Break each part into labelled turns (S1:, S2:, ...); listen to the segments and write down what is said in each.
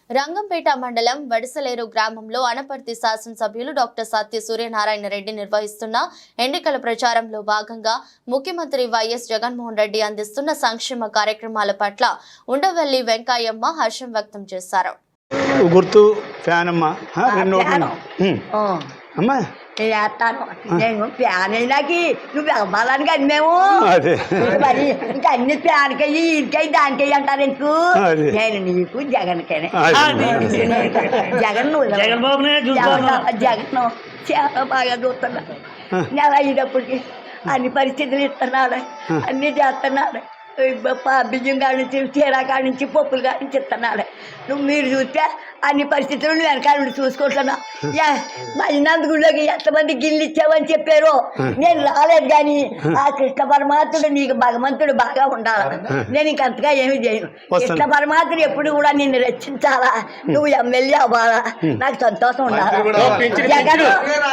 S1: రంగంపేట మండలం వడిసలేరు గ్రామంలో అనపర్తి శాసనసభ్యులు డాక్టర్ సత్య సూర్యనారాయణ రెడ్డి నిర్వహిస్తున్న ఎన్నికల ప్రచారంలో భాగంగా ముఖ్యమంత్రి వైఎస్ జగన్మోహన్ రెడ్డి అందిస్తున్న సంక్షేమ కార్యక్రమాల పట్ల ఉండవల్లి వెంకయ్యమ్మ హర్షం వ్యక్తం చేశారు.
S2: గుర్తు ఫ్యాన్ అమ్మా అమ్మా
S3: చేస్తాను నేను ఫ్యాన్ అయినాకి నువ్వు అవ్వాలని కానీ మేము మరి ఇంకా అన్ని ఫ్యాన్కి ఇంటికై దానికై అంటారు ఎందుకు నేను నీకు జగన్కైనా జగన్ జగన్ చాలా బాగా చూస్తున్నా నెల అయినప్పటికీ అన్ని పరిస్థితులు ఇస్తున్నాడు, అన్ని చేస్తున్నాడు. బియ్యం కాడి నుంచి చీర కాడి నుంచి పప్పుల కాడి నుంచి ఇస్తున్నాడు. మీరు చూస్తే అన్ని పరిస్థితులు నువ్వు వెనకాల నుండి చూసుకుంటున్నా. మా ఇన్నందుగుళ్ళకి ఎంతమంది గిల్లు ఇచ్చావని చెప్పారు, నేను రాలేదు. కానీ ఆ కృష్ణ పరమాత్ముడు నీకు భగవంతుడు బాగా ఉండాలి. నేను ఇంకంతగా ఏమి చేయను. కృష్ణ పరమాత్ముడు ఎప్పుడు కూడా నిన్ను రక్షించాలా, నువ్వు ఎమ్మెల్యే అవ్వాలా, నాకు సంతోషం ఉండాలి. జగన్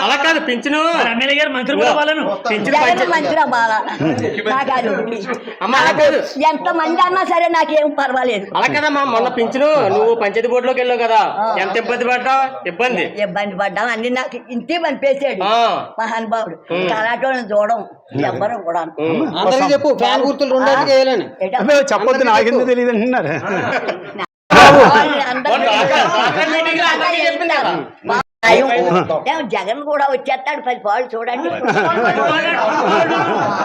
S3: మంత్రి అవ్వాలా, నాకు అది ఎంత మంది అన్నా సరే నాకేం పర్వాలేదు.
S4: అలా కదమ్మా, మొన్న పింఛను నువ్వు పంచాయతీ బోర్డులోకి వెళ్ళావు కదా, ఎంత ఇబ్బంది పడ్డావు?
S3: ఇబ్బంది పడ్డాం అన్ని నాకు ఇంతే పనిపేసాడు మహానుభావుడు. కరాటోని చూడడం ఎవ్వరు కూడా
S4: చెప్పు ఫ్యాన్ గుర్తులు
S2: చెప్పొద్దు, నాకెందుకు తెలియదు అంటున్నారు.
S3: జగన్ కూడా వచ్చేస్తాడు 10 పాలు చూడండి.